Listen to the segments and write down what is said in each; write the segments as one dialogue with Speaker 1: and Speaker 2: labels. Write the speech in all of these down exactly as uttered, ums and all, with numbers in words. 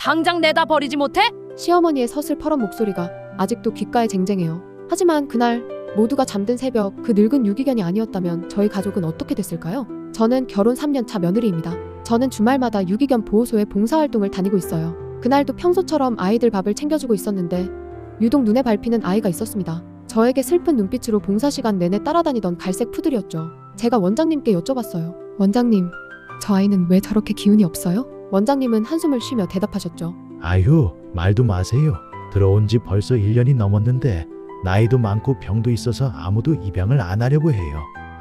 Speaker 1: 당장 내다 버리지 못해?
Speaker 2: 시어머니의 서슬퍼런 목소리가 아직도 귓가에 쟁쟁해요. 하지만 그날 모두가 잠든 새벽, 그 늙은 유기견이 아니었다면 저희 가족은 어떻게 됐을까요? 저는 결혼 삼 년 차 며느리입니다. 저는 주말마다 유기견 보호소에 봉사활동을 다니고 있어요. 그날도 평소처럼 아이들 밥을 챙겨주고 있었는데 유독 눈에 밟히는 아이가 있었습니다. 저에게 슬픈 눈빛으로 봉사 시간 내내 따라다니던 갈색 푸들이었죠. 제가 원장님께 여쭤봤어요. 원장님, 저 아이는 왜 저렇게 기운이 없어요? 원장님은 한숨을 쉬며 대답하셨죠.
Speaker 3: 아유, 말도 마세요. 들어온 지 벌써 일 년이 넘었는데 나이도 많고 병도 있어서 아무도 입양을 안 하려고 해요.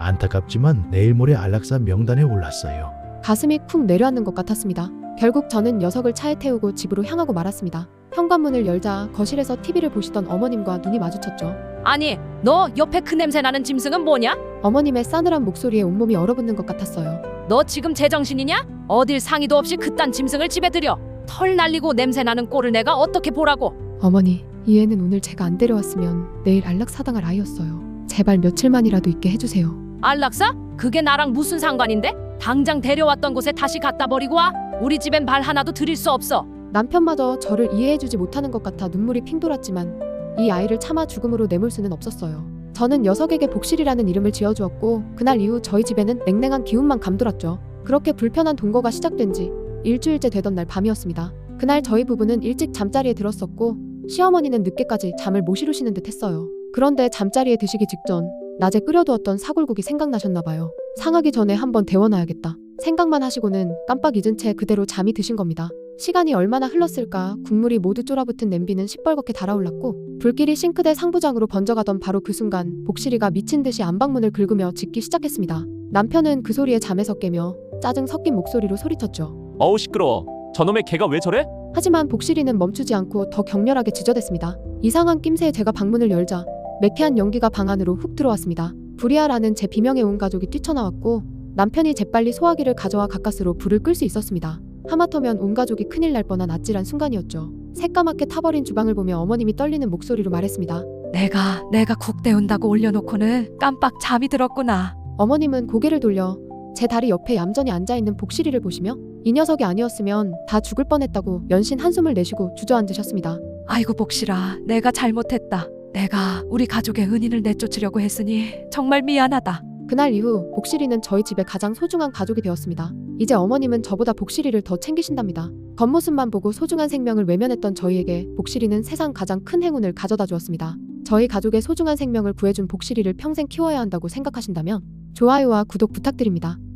Speaker 3: 안타깝지만 내일 모레 안락사 명단에 올랐어요.
Speaker 2: 가슴이 쿵 내려앉는 것 같았습니다. 결국 저는 녀석을 차에 태우고 집으로 향하고 말았습니다. 현관문을 열자 거실에서 티비를 보시던 어머님과 눈이 마주쳤죠.
Speaker 1: 아니, 너 옆에 그 냄새 나는 짐승은 뭐냐?
Speaker 2: 어머님의 싸늘한 목소리에 온몸이 얼어붙는 것 같았어요.
Speaker 1: 너 지금 제정신이냐? 어딜 상의도 없이 그딴 짐승을 집에 들여. 털 날리고 냄새 나는 꼴을 내가 어떻게 보라고?
Speaker 2: 어머니, 이 애는 오늘 제가 안 데려왔으면 내일 안락사당할 아이였어요. 제발 며칠만이라도 있게 해주세요.
Speaker 1: 안락사? 그게 나랑 무슨 상관인데? 당장 데려왔던 곳에 다시 갖다 버리고 와. 우리 집엔 발 하나도 들일 수 없어.
Speaker 2: 남편마저 저를 이해해주지 못하는 것 같아 눈물이 핑 돌았지만 이 아이를 차마 죽음으로 내몰 수는 없었어요. 저는 녀석에게 복실이라는 이름을 지어주었고 그날 이후 저희 집에는 냉랭한 기운만 감돌았죠. 그렇게 불편한 동거가 시작된 지 일주일째 되던 날 밤이었습니다. 그날 저희 부부는 일찍 잠자리에 들었었고 시어머니는 늦게까지 잠을 못 이루시는 듯 했어요. 그런데 잠자리에 드시기 직전 낮에 끓여두었던 사골국이 생각나셨나 봐요. 상하기 전에 한번 데워놔야겠다 생각만 하시고는 깜빡 잊은 채 그대로 잠이 드신 겁니다. 시간이 얼마나 흘렀을까. 국물이 모두 쫄아붙은 냄비는 시뻘겋게 달아올랐고 불길이 싱크대 상부장으로 번져가던 바로 그 순간 복실이가 미친 듯이 안방문을 긁으며 짖기 시작했습니다. 남편은 그 소리에 잠에서 깨며 짜증 섞인 목소리로 소리쳤죠.
Speaker 4: 어우 시끄러워. 저놈의 개가 왜 저래?
Speaker 2: 하지만 복실이는 멈추지 않고 더 격렬하게 짖어댔습니다. 이상한 낌새에 제가 방문을 열자 매캐한 연기가 방 안으로 훅 들어왔습니다. 불이야라는 제 비명에 온 가족이 뛰쳐나왔고 남편이 재빨리 소화기를 가져와 가까스로 불을 끌 수 있었습니다. 하마터면 온 가족이 큰일 날 뻔한 아찔한 순간이었죠. 새까맣게 타버린 주방을 보며 어머님이 떨리는 목소리로 말했습니다.
Speaker 1: 내가 내가 국 데운다고 올려놓고는 깜빡 잠이 들었구나.
Speaker 2: 어머님은 고개를 돌려 제 다리 옆에 얌전히 앉아있는 복실이를 보시며 이 녀석이 아니었으면 다 죽을 뻔했다고 연신 한숨을 내쉬고 주저앉으셨습니다.
Speaker 1: 아이고 복실아, 내가 잘못했다. 내가 우리 가족의 은인을 내쫓으려고 했으니 정말 미안하다.
Speaker 2: 그날 이후 복실이는 저희 집의 가장 소중한 가족이 되었습니다. 이제 어머님은 저보다 복실이를 더 챙기신답니다. 겉모습만 보고 소중한 생명을 외면했던 저희에게 복실이는 세상 가장 큰 행운을 가져다 주었습니다. 저희 가족의 소중한 생명을 구해준 복실이를 평생 키워야 한다고 생각하신다면 좋아요와 구독 부탁드립니다.